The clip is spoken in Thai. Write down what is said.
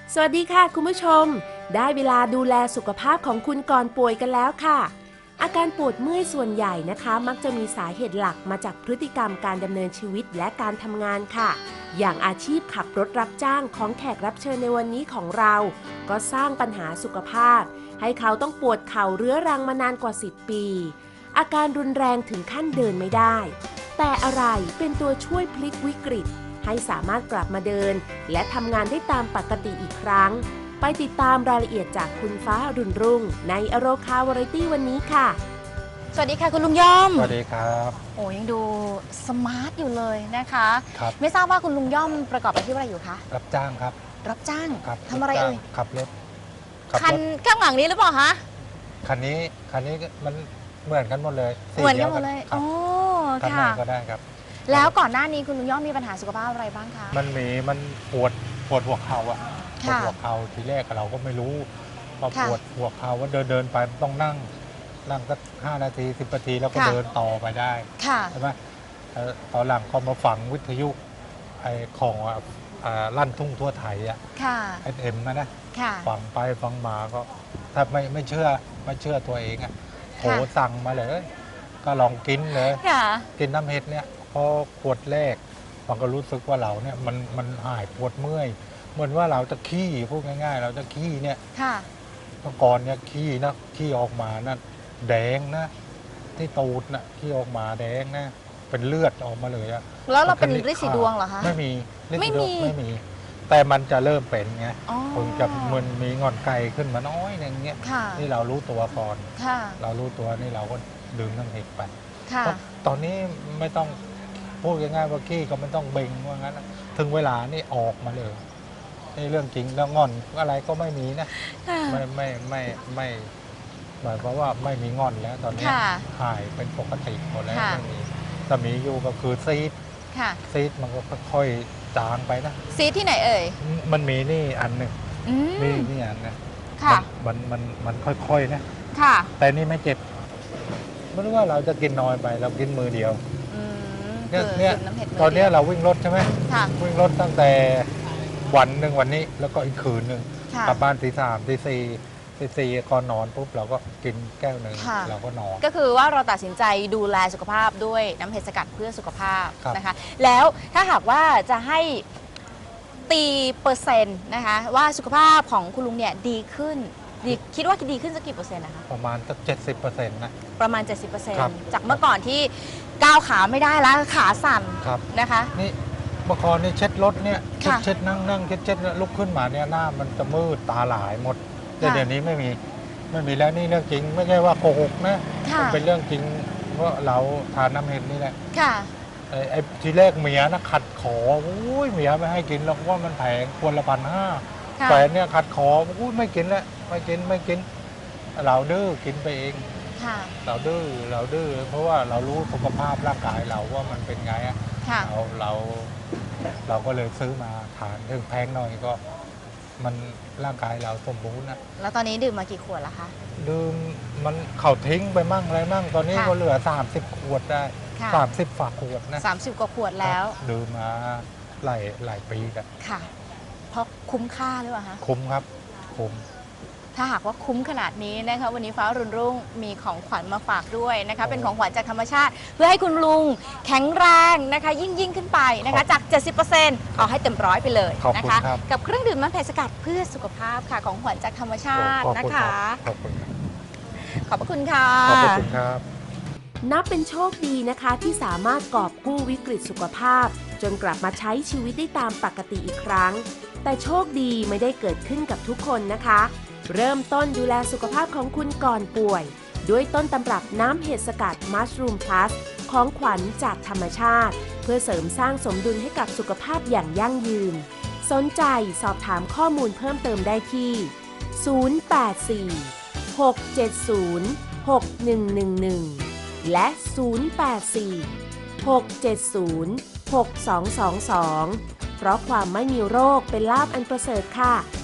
สวัสดีค่ะคุณผู้ชมได้เวลาดูแลสุขภาพของคุณก่อนป่วยกันแล้วค่ะอาการปวดเมื่อยส่วนใหญ่นะคะมักจะมีสาเหตุหลักมาจากพฤติกรรมการดำเนินชีวิตและการทำงานค่ะอย่างอาชีพขับรถรับจ้างของแขกรับเชิญในวันนี้ของเราก็สร้างปัญหาสุขภาพให้เขาต้องปวดเข่าเรื้อรังมานานกว่า10 ปีอาการรุนแรงถึงขั้นเดินไม่ได้แต่อะไรเป็นตัวช่วยพลิกวิกฤตให้สามารถกลับมาเดินและทำงานได้ตามปกติอีกครั้งไปติดตามรายละเอียดจากคุณฟ้ารุ่นรุ่งในอโรคาวาไรตี้วันนี้ค่ะสวัสดีค่ะคุณลุงย่อมสวัสดีครับโอ้ยังดูสมาร์ทอยู่เลยนะคะครับไม่ทราบว่าคุณลุงย่อมประกอบอาชีพอะไรอยู่คะรับจ้างครับรับจ้างครับทำอะไรเอ่ยขับรถคันข้างหลังนี้หรือเปล่าคะคันนี้มันเหมือนกันหมดเลยเหมือนกันหมดเลยโอ้ค่ะก็ได้ครับแล้วก่อนหน้านี้คุณลุงย่อมมีปัญหาสุขภาพอะไรบ้างคะมันปวดหัวเข่าอะปวดหัวเข่าทีแรกเราก็ไม่รู้พอปวดหัวเข่าว่าเดินไปต้องนั่งก็5 นาที 10 นาทีแล้วก็เดินต่อไปได้ใช่ไหมตอนหลังก็มาฝังวิทยุไอ้ของลั่นทุ่งทั่วไทยอะFMนะฟังไปฟังมาก็ถ้าไม่เชื่อตัวเองอะโทรสั่งมาเลยก็ลองกินเลยกินน้ำเห็ดเนี่ยพอขวดแรกมันก็รู้สึกว่าเราเนี่ยมันหายปวดเมื่อยเหมือนว่าเราจะขี้พูดง่ายๆเราจะขี้เนี่ยเมื่อก่อนเนี่ยขี้ออกมานะแดงนะที่ตูดนะขี้ออกมาแดงนะเป็นเลือดออกมาเลยอะแล้วเราเป็นฤทธิ์สีดวงเหรอคะไม่มีไม่มีแต่มันจะเริ่มเป็นไงคงจะมันมีงอนไก่ขึ้นมาน้อยอย่างเงี้ยนี่เรารู้ตัวก่อนเรารู้ตัวนี่เราก็ดื่มน้ำเห็ดไปตอนนี้ไม่ต้องพูดง่ายๆว่าขี้ก็ไม่ต้องเบ่งว่างั้นถึงเวลานี่ออกมาเลยนี่เรื่องจริงแล้วงอนอะไรก็ไม่มีนะไม่หมายความว่าไม่มีงอนแล้วตอนนี้หายเป็นปกติหมดแล้วไม่มีแต่มีอยู่ก็คือซีดมันก็ค่อยๆจางไปนะซีดที่ไหนเอ่ยมันมีนี่อันหนึ่งนี่อันนะมันค่อยๆนะแต่นี่ไม่เจ็บไม่รู้ว่าเราจะกินน้อยไปเรากินมือเดียวเนี่ยตอนนี้เราวิ่งรถใช่ไหมวิ่งรถตั้งแต่วันนี้แล้วก็อีกคืนหนึ่งกลับบ้านตี 3 ตี 4ก่อนนอนปุ๊บเราก็กินแก้วหนึ่งเราก็นอนก็คือว่าเราตัดสินใจดูแลสุขภาพด้วยน้ำเห็ดสกัดเพื่อสุขภาพนะคะแล้วถ้าหากว่าจะให้ตีเปอร์เซ็นต์นะคะว่าสุขภาพของคุณลุงเนี่ยดีขึ้นคิดว่าดีขึ้นสักกี่เปอร์เซ็นต์นะคะประมาณสัก70%นะประมาณ 70%จากเมื่อก่อนที่ก้าวขาไม่ได้แล้วขาสั่นนะคะนี่เมื่อก่อนนี่เช็ดรถเนี่ยเช็ดนั่งเช็ดลุกขึ้นมาเนี่ยหน้ามันจะมืดตาหลายหมดแต่เดี๋ยวนี้ไม่มีแล้วนี่เรื่องจริงไม่ใช่ว่าโกหกนะมันเป็นเรื่องจริงเพราะเราทานน้ำเห็ดนี่แหละไอ้ทีแรกเมียนะขัดขอเมียไม่ให้กินหรอกว่ามันแพงควรละ1,500แฟนเนี่ยขัดขอไม่กินแล้วไม่กินเราดื้อกินไปเองเราดื้อเพราะว่าเรารู้สุขภาพร่างกายเราว่ามันเป็นไงอะเราก็เลยซื้อมาทานถึงแพงหน่อยก็มันร่างกายเราสมบูรณ์นะแล้วตอนนี้ดื่มมากี่ขวดแล้วคะดื่มมันเขาทิ้งไปมั่งอะไรมั่งตอนนี้ก็เหลือ30 ขวดได้30 ฝาขวดนะ 30 กว่าขวดแล้วดื่มมาหลายปีกันค่ะเพราะคุ้มค่าหรือเปล่าคะคุ้มครับคุ้มถ้าหากว่าคุ้มขนาดนี้นะคะวันนี้ฟ้ารุ่นรุ่งมีของขวัญมาฝากด้วยนะคะเป็นของขวัญจากธรรมชาติเพื่อให้คุณลุงแข็งแรงนะคะยิ่งขึ้นไปนะคะจาก 70% เอาให้เต็มร้อยไปเลยนะคะกับเครื่องดื่มน้ำเห็ดสกัดเพื่อสุขภาพค่ะของขวัญจากธรรมชาตินะคะขอบพระคุณค่ะขอบคุณครับนับเป็นโชคดีนะคะที่สามารถกอบกู้วิกฤตสุขภาพจนกลับมาใช้ชีวิตได้ตามปกติอีกครั้งแต่โชคดีไม่ได้เกิดขึ้นกับทุกคนนะคะเริ่มต้นดูแลสุขภาพของคุณก่อนป่วยด้วยต้นตำรับน้ำเห็ดสกัดมัชรูมพลัสของขวัญจากธรรมชาติเพื่อเสริมสร้างสมดุลให้กับสุขภาพอย่างยั่งยืนสนใจสอบถามข้อมูลเพิ่มเติมได้ที่084 670 6111และ084 670 6222เพราะความไม่มีโรคเป็นลาภอันประเสริฐค่ะ